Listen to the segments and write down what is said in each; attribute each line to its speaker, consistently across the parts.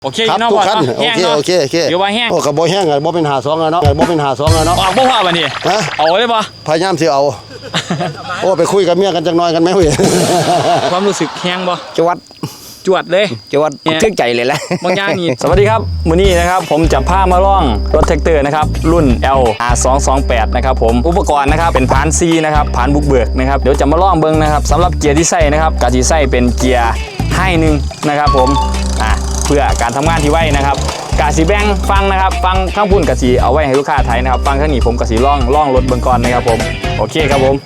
Speaker 1: โอเค
Speaker 2: ครับ
Speaker 1: เนาะ
Speaker 2: ทุก
Speaker 1: พ่อ
Speaker 2: คัน
Speaker 1: เนาะ
Speaker 2: โอ
Speaker 1: แห้ง
Speaker 2: เค
Speaker 1: เนาะ
Speaker 2: โอเคโอเค
Speaker 1: เดี๋ยวว่าแห้ง
Speaker 2: โอ้กระโบแห้งไงบ่เป็นหาสองเนาะบ่เป็นหาสองเนาะ
Speaker 1: ออกบ่พ่อบัดนี้
Speaker 2: ฮะ
Speaker 1: เอาเลยบ่
Speaker 2: พยายามสิเอาโอ้ไปคุยกับเมียกันจังน้อยกันไหมเว้ย
Speaker 1: ความรู้สึกแห้งบ่
Speaker 3: จวด
Speaker 1: จวดเลย
Speaker 3: จวดทึ่งใจเลยแหละ
Speaker 1: บางอย่างนี่ สวัสดีครับมื้อนี้นะครับผมจะพามาล่องรถแท็กเตอร์นะครับรุ่น L R228 นะครับผมอุปกรณ์นะครับเป็นพาน C นะครับพานบุกเบิกนะครับเดี๋ยวจะมาล่องเบิ่งนะครับสำหรับเกียร์ที่ใส่นะครับกะสิใส่เป็นเกียร์ให้หนึ่งนะครับผมเพื่อการทำงานที่ไวนะครับกะสิแบ่งฟังนะครับฟังข้างพุ่นกะสิเอาไว้ให้ลูกค้าไทยนะครับฟังข้างนี้ผมกะสิล่องรถเบิ่งก่อนนะครับผมโอเคครับผม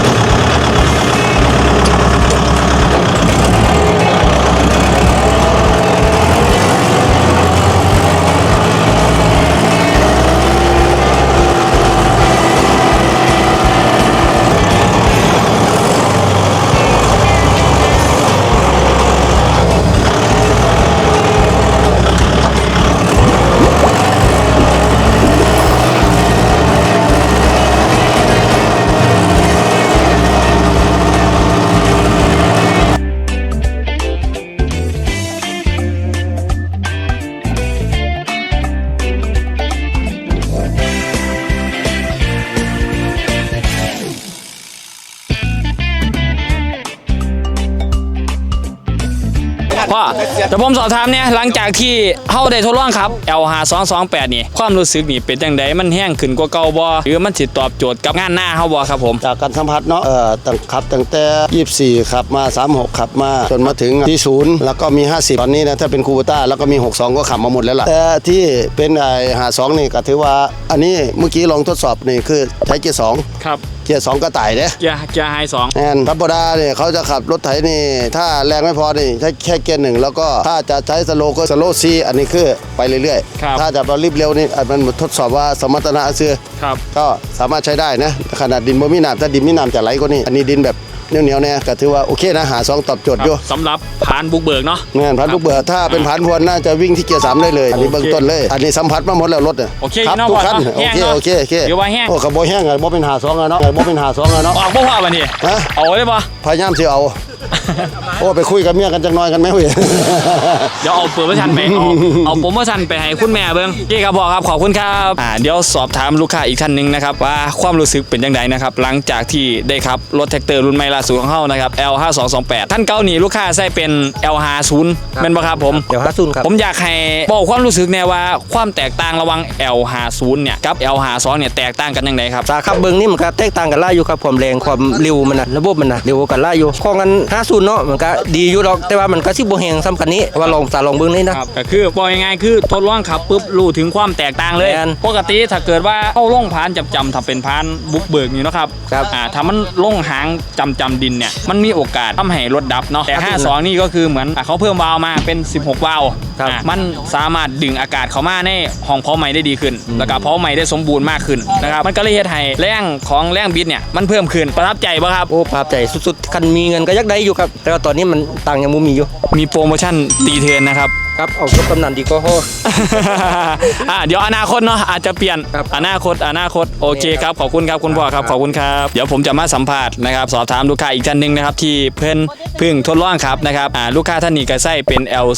Speaker 1: พ่อแต่ผมสอบถามเนี่ยหลังจากที่เฮาได้ทดลองครับ L5228 นี่ความรู้สึกนี่เป็นจังไดมันแห้งขึ้นกว่าเก่าบ่หรือมันสิตอบโจทย์กับงานหน้าเฮาบ่ครับผม
Speaker 2: จากการสัมผัสเนาะตั้งแต่24ขับมา36ขับมาจนมาถึงที่0แล้วก็มี50ตอนนี้นะถ้าเป็นคูโบต้าแล้วก็มี62ก็ขับมาหมดแล้วล่ะแต่ที่เป็น52นี่ก็ถือว่าอันนี้เมื่อกี้ลองทดสอบนี่คือใช้เกียร์2
Speaker 1: ครับ
Speaker 2: เกียร์2กระต่ายเด้
Speaker 1: เกียร์ไฮ2
Speaker 2: แอนธรรมดาเนี่ยเขาจะขับรถไถนี่ถ้าแรงไม่พอนี่ใช้แค่เกียร์1แล้วก็ถ้าจะใช้สโลก็สโลซีอันนี้คือไปเรื่อยๆถ้าจะรีบเร็วนี่มันทดสอบว่าสมรรถนะเสื้อ
Speaker 1: ครับ
Speaker 2: ก็สามารถใช้ได้นะขนาดดินบ่มีน้ำถ้าดินมีน้ำจะไหลกว่านี้อันนี้ดินแบบเหนียวๆเนี่ยก็ถือว่าโอเคนะหา2ตอบโจทย์อยู่
Speaker 1: สำหรับผานบุกเบิกเนาะ
Speaker 2: แม่นพันลูกเบื่อถ้าเป็นพันพวนน่าจะวิ่งที่เกียร์3ได้เลยอันนี้เบื้องต้นเลยอันนี้สัมผัสมาหมดแล้วรถ
Speaker 1: โอเค
Speaker 2: ครับ
Speaker 1: เนาะ
Speaker 2: ทุก
Speaker 1: พ่อ
Speaker 2: คัน
Speaker 1: เนาะ
Speaker 2: โอ
Speaker 1: แห้ง
Speaker 2: เค
Speaker 1: เนาะ
Speaker 2: โอเคโอเค
Speaker 1: เดี๋ยวว่าแห้ง
Speaker 2: โอ้กระโบแห้งไงบ่เป็นหา2เนาะบ่เป็นหา2เนาะ
Speaker 1: ออกบ่พ่อบัดนี้
Speaker 2: ฮะ
Speaker 1: เอาเลยบ่
Speaker 2: พยายามสิเอาโอ้ไปคุยกับเมียกันจังน้อยกันไหมเว้ย
Speaker 1: เดี๋ยวเอาโปรโมชั่นไปเอาโปรโมชั่นไปให้คุณแม่เบิ่งโอเคครับพ่อครับขอบคุณครับเดี๋ยวสอบถามลูกค้าอีกท่านนึงนะครับว่าความรู้สึกเป็นจังไดนะครับหลังจากที่ได้ขับรถแท็กเตอร์รุ่นใหม่ล่าสุดของเฮานะครับ L5228 ท่านเก่านี่ลูกค้าใช้เป็น L50 แม่นบ่ครับผม
Speaker 3: เดี๋ยว50ครับ
Speaker 1: ผมอยากให้บอกความรู้สึกแน่ว่าความแตกต่างระหว่าง L50 เนี่ยกับ L52 เนี่ยแตกต่างกันยังไงครับ
Speaker 3: สาขับเบิ้งนี่มันก็แตกต่างกันหลายอยู่ครับความแรงความเร็วมันนะระบบมันนะเร็วกันหลายอยู่ของกัน50เนาะมันก็ดีอยู่ดอกแต่ว่ามันก็สิบ่แฮงซ้ำกันนี้ว่าลองเบิ้งนี่นะครับ
Speaker 1: ก็คือบอกยังไงคือทดลองขับปุ๊บรู้ถึงความแตกต่างเลย
Speaker 3: แม่น
Speaker 1: ปกติถ้าเกิดว่าเข้าล่องพานจำถ้าเป็นพานบุกเบิกนี่เนาะครับ
Speaker 3: ครับ
Speaker 1: ถ้ามันล่องหางจำดินเนี่ยมันมีโอกาสทำให้รถดับเนาะแต่ 52 นี่ก็คือเหมือนเขาเพิ่มวาล์วมาเป็น 16 วาล์ว
Speaker 3: ครับ
Speaker 1: มันสามารถดึงอากาศเข้ามาในห้องเพาะไหม้ได้ดีขึ้น แล้วก็เพาะไหม้ได้สมบูรณ์มากขึ้นนะครับมันก็เลยเฮ็ดให้แรงของแรงบิดเนี่ยมันเพิ่มขึ้นประทับใจป่ะครับ
Speaker 3: โอ้ภาพใจสุดๆคันมีเงินก็ยักได้อยู่ครับแต่ว่าตอนนี้มันต่างยังบ่มีอยู่
Speaker 1: มีโปรโมชั่นตีเทิร์นนะครับ
Speaker 3: ครับเอารถกำนันดีก็พอ
Speaker 1: เดี๋ยวอนาคตเนาะอาจจะเปลี่ยน
Speaker 3: ครับ
Speaker 1: อนาคตโอเคครับขอบคุณครับคุณพ่อครับขอบคุณครับเดี๋ยวผมจะมาสัมภาษณ์นะครับสอบถามลูกค้าอีกท่านหนึงนะครับที่เพิ่งทดลองครับนะครับลูกค้าท่านนี้ก็ใช้เป็น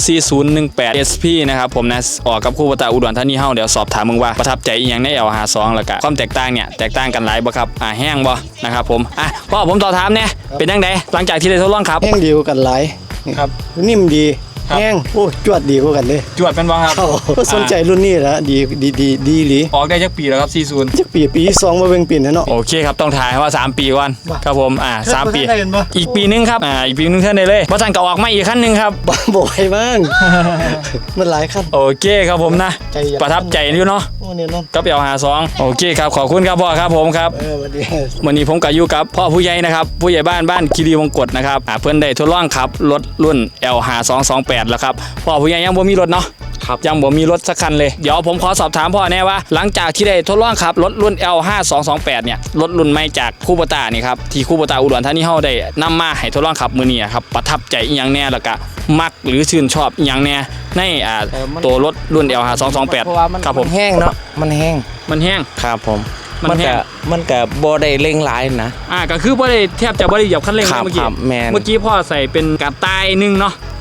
Speaker 1: LC018SP นะครับผมนะออกกับคู่ปตาอุดรธานีเฮาเดี๋ยวสอบถามมึงว่าประทับใจอีหยังใน L52 แล้วก็ความแตกต่างเนี่ยแตกต่างกันหลายบ่ครับแห้งบ่นะครับผมพ่อผมต่อถามเนี่ยเป็นจังไดหลังจากที่ได้ทดลองครับ
Speaker 4: แห้งดีกว่ากันหลาย
Speaker 1: ครับ
Speaker 4: นิ่มดี
Speaker 1: ครับ
Speaker 4: แห้งโอ้จวดดีกว่ากันเลย
Speaker 1: จวดเป็นบ่ครับ
Speaker 4: ก็สนใจรุ่นนี้แล้วดีหลี
Speaker 1: ออกได้จักปีแล้วครับ40
Speaker 4: จักปีที่2มาเบิ่งปีนั่นเนาะ
Speaker 1: โอเคครับต้องถ่ายว่า3ปีก่อนครับผม3 ปี
Speaker 4: ได้กันปะ
Speaker 1: อีกปีนึงครับอีกปีนึงเท่านได้เลยเพราะท่านก็ออกมาอีกขั้นหนึงครับ
Speaker 4: บ่อยบ้าง มันหลายขั้น
Speaker 1: โอเคครับผมนะ
Speaker 4: ใจอยาก
Speaker 1: ประทับใจอยู่เนาะ
Speaker 4: โอ้เนี่ยนอน
Speaker 1: กับL52โอเคครับขอบคุณครับพ่อครับผมครับ
Speaker 4: วันนี้
Speaker 1: วันนี้ผมกับอยู่กับพ่อผู้ใหญ่นะครับผู้ใหญ่บ้านคีรีวงกฏนะครับเพื่อนได้ทดลองขับรถรุ่น L5228 แล้วครับพ่อผู้ใหญ่ยังบ่มีรถเนาะ
Speaker 3: ครับ
Speaker 1: ยังบ่มีรถสักคันเลยเดี๋ยวผมขอสอบถามพ่อแน่ว่าหลังจากที่ได้ทดลองขับรถรุ่น L5228 เนี่ยรถรุ่นใหม่จากคูโบต้านี่ครับที่คูโบต้าอุดรธานีเฮาได้นำมาให้ทดลองขับมื้อนี้ครับประทับใจอีหยังแน่แล้วก็มักหรือชื่นชอบอีหยังแน่ในตัวรถรุ่น L5228
Speaker 3: เพราะว่ามัน
Speaker 1: ครับผม
Speaker 3: แห้งเนาะมันแห้ง
Speaker 1: มันแห้ง
Speaker 3: ครับผม
Speaker 1: มันแห้ง
Speaker 3: มันก็บ่ได้เร่งหลายนะ
Speaker 1: ก็คือบ่ได้แทบจะบ่ได้เหยียบคันเร่ง
Speaker 3: ครับ
Speaker 1: เมื่อกี้
Speaker 3: ครับแม่น
Speaker 1: เมื่อกี้พ่อใส่เป็นกระต่ายหนึงเนาะ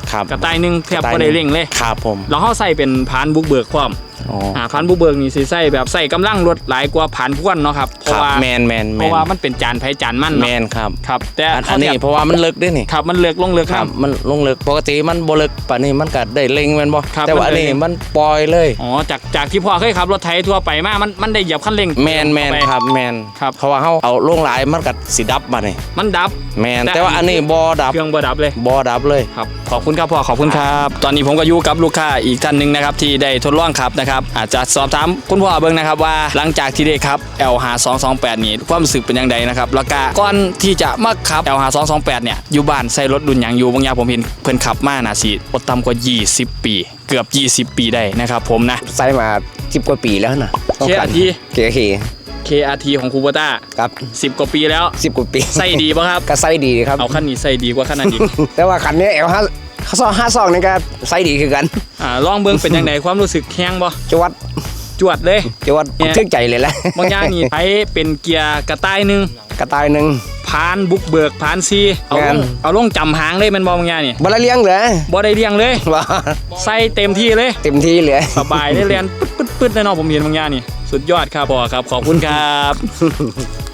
Speaker 5: ครับ
Speaker 1: กระต่ายหนึงแทบบ่ได้เร่งเลย
Speaker 5: ครับผม
Speaker 1: แล้วเฮาใส่เป็นพานบุกเบิกพร้อม
Speaker 5: อ๋อ
Speaker 1: พานบุกเบิกนี่สิใส่แบบใส่กำลังรถหลายกว่าพานพ่วนเนาะครับเพ
Speaker 5: ครั
Speaker 1: ราะ
Speaker 5: บ
Speaker 1: ว่า
Speaker 5: แมน
Speaker 1: เพราะว่ามันเป็นจานไผจานมัน
Speaker 5: แม
Speaker 1: เนาะ
Speaker 5: นครับ
Speaker 1: ครับแต่
Speaker 5: อันนี้เพราะว่ามันลึกด้วยนี่
Speaker 1: ครับมันเลือกลงเลือก
Speaker 5: ค
Speaker 1: ค
Speaker 5: รั
Speaker 1: รั
Speaker 5: บบ มันลงลึกปกติมันบ่ลึกป่านนี้มันก็ได้เล็งแม่นบ่
Speaker 1: ครับ
Speaker 5: แต่ว่าอันนี้
Speaker 1: มันได้
Speaker 5: มันปล่อยเลย
Speaker 1: อ๋อจากที่พ่อเคยขับรถไถทั่วไปมามันได้เหยียบคันเร่ง
Speaker 5: แมน
Speaker 1: เข้าไป
Speaker 5: ครับแมน
Speaker 1: ครับ
Speaker 5: เพราะว่าเฮาเอาลงหลายมันก็สิดับมานี่
Speaker 1: มันดับ
Speaker 5: แมน
Speaker 1: แต่
Speaker 5: แต่ว่าอันนี้บ่ดับ
Speaker 1: เครื่องบ่ดับเลย
Speaker 5: บ่ดับเลย
Speaker 1: ครับขอบคุณครับพ่อขอบคุณครับ ตอนนี้ผมก็อยู่กับลูกค้าอีกท่านหนึ่งนะครับที่ได้ทดลองขับนะครับอาจจะสอบถามคุณพ่อเบิ่งนะครับว่าหลังจากที่ได้ขับ L5228 นี่ความรู้สึกเป็นยังไงนะครับแล้วก็ก่อนที่จะมาขับ L5228 เนี่ยอยู่บ้านใส่รถรุ่นหยังอยู่บางอย่างผมเห็นเพิ่นขับมาน่าสิบ่ต่ำกว่า20 ปีเกือบ20 ปีได้นะครับผมนะ
Speaker 6: ใส่มา10 กว่าปีแล้วนะ
Speaker 1: KRT
Speaker 6: เก๋
Speaker 1: KRT ของคูโบต้า
Speaker 6: ครับ
Speaker 1: 10 กว่าปีแล้ว
Speaker 6: 10 กว่าปี
Speaker 1: ใส่ดีป่ะครับ
Speaker 6: ก็ใส่ดีครับ
Speaker 1: เอาคันนี้ใส่ดีกว่าคันนั้นอีก
Speaker 6: แต่ว่าคันนี้L5 52นี่ก็ใส่ดีคือกัน
Speaker 1: ลองเบิ่งเป็นยังไงความรู้สึกแห้งบ่
Speaker 6: จวด
Speaker 1: จวดเลย
Speaker 6: จวด
Speaker 1: เนี่ย
Speaker 6: ทึกใจเลยแหละ
Speaker 1: บางอย่างนี่ใช้เป็นเกียร์กระต่ายหนึง
Speaker 6: กระต่ายหนึง
Speaker 1: พานบุกเบิกพานซีเอา
Speaker 6: งา
Speaker 1: ล
Speaker 6: น
Speaker 1: งเอาลงจำหางเลยแมันบางอย่างนี่
Speaker 6: บ่ได้เลี้ยงเลย
Speaker 1: บ่ได้เลี้ยงเลย
Speaker 6: ว่า
Speaker 1: ใส่เต็มที่เลย
Speaker 6: เต็มที่เลย
Speaker 1: สบายได้เรียนปึ๊ดๆๆแน่นอนผมเห็นบางอย่างนี่สุดยอดครับพ่อครับขอบคุณครับ